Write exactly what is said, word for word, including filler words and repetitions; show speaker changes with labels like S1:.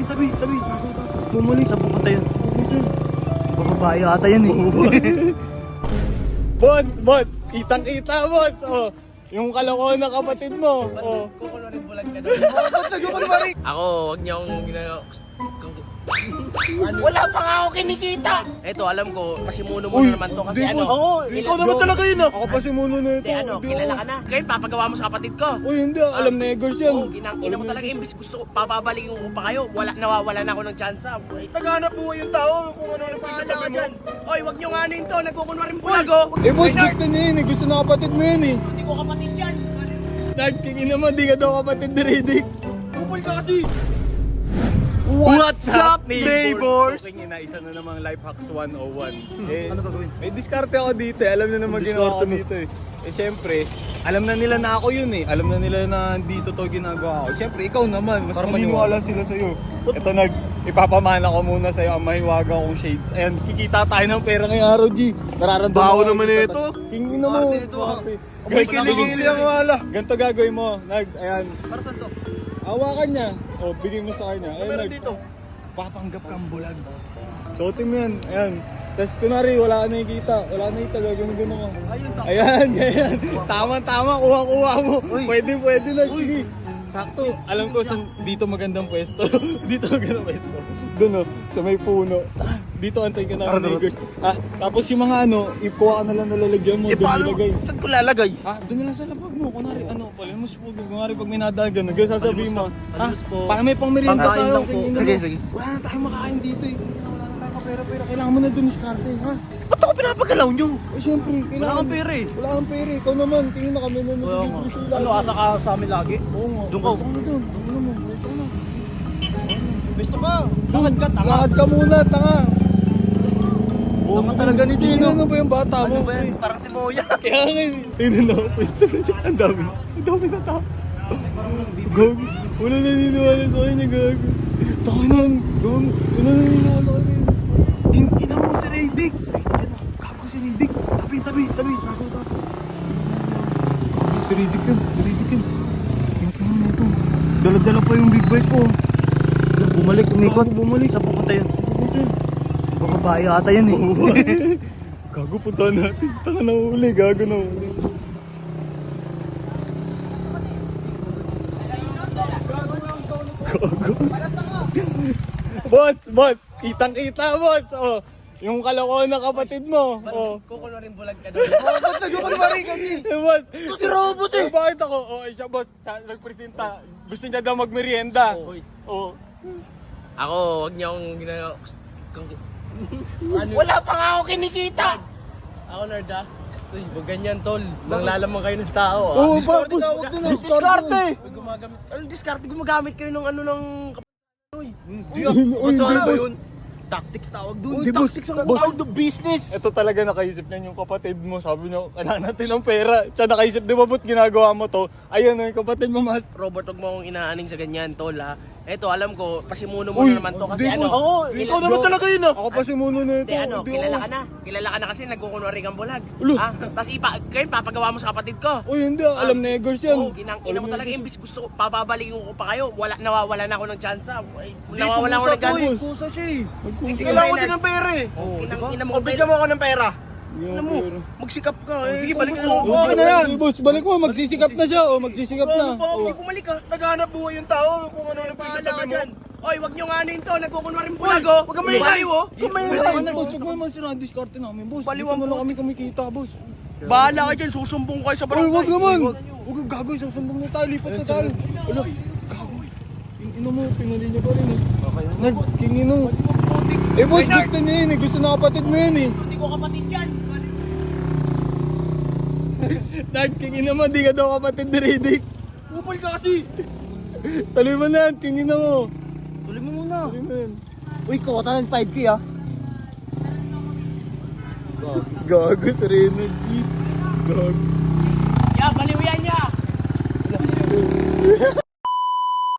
S1: tabi, tabi. Bumalik. Saan pupunta yun? Bababae ata yan eh.
S2: Boss, boss, kitang-kita, boss. Oh, yung kalokohan ng kapatid mo. Oh.
S3: Kukulwarin bulag ka doon. Ako, wag niyo akong ginagawa.
S1: Wala pa nga ako kinikita.
S3: Eto, alam ko, pasimuno mo na naman to kasi
S2: di,
S3: ano.
S2: boss.
S1: Oo, ikaw naman talaga yun ah.
S2: Ako pa si Muno na ito.
S3: Hindi ano,
S2: Hindi
S3: kilala
S2: ako.
S3: ka na. Ngayon, papagawa mo sa kapatid ko.
S2: Uy, hindi. Alam na Egos yan.
S3: Oo, ginang ina mo talaga, imbis gusto ko, papabalik yung upa kayo. Wala, nawawala na ako ng chance.
S1: Naghanap buhay yung tao kung ano ano
S3: Pahala ka dyan. Oy, wag niyo nga ano yun to, nagkukunwaring bulag oh.
S2: Eh, boss,
S3: Maynard,
S2: gusto niya yun eh. Gusto na kapatid mo yun eh.
S3: hindi ko kapatid yan.
S2: Nagkingin naman, di ka daw kapatid ni Riddick.
S1: Kupal ka kasi.
S2: What's up,
S1: neighbors?
S2: Okay, na isa na namang Life Hacks one oh one. Eh,
S1: Ano gagawin?
S2: may diskarte ako dito eh. Alam na naman ginawa ko dito eh. Eh, syempre, alam na nila na ako yun eh. Alam na nila na dito to ginagawa ko. Syempre, ikaw naman. Mas
S1: Para
S2: maniniwala sila sa'yo. Ito, nag, ipapamana ko muna sa'yo ang mahiwaga kong shades. Ayan, kikita tayo ng pera ngayong araw, G. Nararamdaman
S1: Baho
S2: ko
S1: naman
S2: kita.
S1: ito.
S2: Kingin na mo.
S1: Parte ito, ah.
S2: May
S1: kilig-kilig ang wala.
S2: Ganito gagawin mo. Nag, ayan.
S1: Para saan to?
S2: Hawakan niya. O, bigay mo sa kanya. Ayan,
S1: Meron
S2: nag,
S1: dito.
S2: papanggap kang bulag. Suotin mo yan. Ayan. Tapos kunwari, wala ka nakikita. Wala ka nakikita. Gagawin gano'n ka.
S1: Ayun, sakto.
S2: Ayan, ganyan. Tama-tama. Kuha-kuha mo.
S1: Uy.
S2: Pwede, pwede na. Sige. Sakto. Alam ko, sa, dito magandang pwesto. Dito magandang pwesto. Doon o, sa may puno. Tara, dito antay ka
S1: Tara,
S2: namin,
S1: tara.
S2: neighbors. Ah, tapos yung mga ano, ikuha ka na lang nalalagyan mo.
S1: Eh
S2: Doon
S1: paano?
S2: nilagay.
S1: Saan ko lalagay?
S2: Ah, doon na lang sa labag mo. Kunwari, ano, palimos po. Kunwari, pag may nadagan, nag sasabihin mo.
S1: Palimos po.
S2: Ah,
S1: Palimos po.
S2: parang may pang merienda
S1: Pangkain
S2: tayo.
S1: lang po.
S2: Kingin
S1: Sige,
S2: mo.
S1: sige.
S2: Wala na tayong makain dito eh. Wala na tayong kapera-pera. Kailangan mo na dun diskarte, ha?
S1: Ba't ako pinapagalaw nyo?
S2: Eh, syempre,
S1: Wala
S2: kailangan.
S1: kang pera eh.
S2: Wala kang pera. Ikaw naman, tingin na kami na
S1: Wala
S2: nabibigro
S1: nga.
S2: sila.
S1: Ano, asa ka sa amin lagi?
S2: Oo nga.
S1: Doon ka.
S2: Gusto ko na dun. Ano mo, gusto ko na.
S3: Gusto ka? Lakad ka, tanga.
S2: Lakad ka muna, tanga.
S1: Tama talaga ni
S2: Tingin
S1: Gino.
S2: ano ba yung bata mo?
S1: Ano ba yan? Parang si Moya.
S2: Kaya nga, tingnan na ako. Pwesto na siya. Ang dami. Ang dami na tao. Gog. Wala naniniwala sa kanya, gog. Taka na. Gog. Wala naniniwala sa kanya.
S1: Ina mo si Riddick. Gago si Riddick. Tabi, tabi, tabi. Gago, gago.
S2: Si Riddick yun. Si Riddick yun. Tingnan mo ito.
S1: Dala-dala pa yung big bike ko. Bumalik, umikot.
S2: Gago, bumalik.
S1: Saan pupunta yun?
S2: Pupunta yun.
S1: Bababae ata yan eh.
S2: Gago, punta natin. Taka na uli. Gago na uli. Gago. Boss, boss. Kitang-kita, boss. Oh, yung kalokohan ng kapatid mo. Oh.
S3: Kukulwarin bulag ka doon.
S1: Ba't nagkukulwari ka, G?
S2: Eh, boss.
S1: Ito si Robot eh.
S2: Eh, bakit ako? Oh, eh, siya, boss. Sa, nagpresenta. Gusto niya daw magmerienda.
S3: Oy.
S2: Oh.
S3: Ako, wag niyo akong ginagawa.
S1: Wala pa nga ako kinikita.
S3: Ako, nerd ah. Gusto yung ganyan, tol. Nanglalamang kayo ng tao ah.
S2: Oh, ba,
S1: Discarte
S2: boss.
S1: na, huwag doon,
S2: Discarte.
S1: discarte.
S3: May gumagamit. Anong discarte? Gumagamit kayo ng ano ng...
S1: Hindi
S2: ah. Uy,
S1: Basta
S2: hindi,
S1: ano ba
S2: boss.
S1: yun? Tactics tawag doon.
S2: Hindi, boss.
S1: Tactics ang
S2: Boss.
S1: tawag doon. Business.
S2: Ito talaga nakaisip niya yung kapatid mo. Sabi niya, kailangan natin ng pera. Siya nakaisip, di ba ba't ginagawa mo to? Ayun, yung kapatid mo, mas.
S3: Robert, wag mo akong inaaning sa ganyan, tol ha. Eto, alam ko, pasimuno mo
S2: Uy,
S3: na naman to kasi
S2: di,
S3: ano.
S2: boss.
S1: Oo,
S3: kila-
S1: ikaw naman talaga yun ah.
S2: Ako pa si Muno na ito.
S3: Hindi ano,
S2: Hindi
S3: kilala
S2: ako.
S3: ka na. Kilala ka na kasi nagkukunwari kang bulag.
S2: Ulo.
S3: Ah, tapos ipa, kayo papagawa mo sa kapatid ko.
S2: Uy, hindi. Alam na Egos yan.
S3: Oo, ginang ina
S2: Alam
S3: mo
S2: na
S3: talaga,
S2: Egos.
S3: imbis gusto ko, papabalik ko pa kayo. Wala, nawawala na ako ng chance. ah. Ay,
S1: Dito
S3: Nawawala ako
S1: kusa
S3: ng
S1: to
S3: gana.
S1: eh. Kusa siya eh.
S2: Nagkusa.
S3: Sige,
S1: Kailangan ko
S3: Maynard.
S1: din ng pera eh.
S3: Oo,
S1: Ina
S3: diba?
S1: ina mo. O, bigyan mo ako ng pera.
S3: Alam mo, magsikap ka. Eh,
S1: Sige,
S3: kung
S1: balik
S3: gusto
S1: na.
S3: mo,
S1: Okay na yan.
S2: Sige, boss, balik mo. Magsisikap na siya. Oh, magsisikap na.
S1: Ano pa?
S2: Oh.
S3: Hindi bumalik ka.
S1: Naghanap buhay yung tao kung ano ano
S3: Pahala ka
S1: pinagsasabi mo.
S3: dyan. Oy, wag nyo nga ano yun to. Nagkukunwaring bulag oh.
S1: Huwag kang maingay.
S3: Baliw, oh.
S1: Huwag kang maingay.
S2: Boss, ano, boss? Huwag mo naman sila ang diskarte namin, boss.
S3: Baliwan
S2: Dito mo
S3: po.
S2: lang kami kumikita, boss.
S3: Bahala ka dyan. Susumbong ko kayo sa
S2: Uy,
S3: barangay.
S2: wag naman. Huwag kang gagawin. Susumbong na tayo. Lipat na tayo. Ano? Gago. Yung ina mo, pinali niya pa rin eh. Nag, kingin mo. Eh, boss,
S3: Maynard.
S2: gusto niya yun eh. Gusto na kapatid mo yun eh.
S3: Hindi ko kapatid yan.
S2: Nag, kingin naman. Di ka daw kapatid ni Riddick.
S1: Kupal ka kasi.
S2: Tuloy mo na yan. Kingin na mo.
S1: Tuloy mo muna.
S2: Tuloy mo yan.
S1: Uy, kota ng five K ah.
S2: Gago sa Reynard G. Gago.
S3: Ya, baliw yan ya.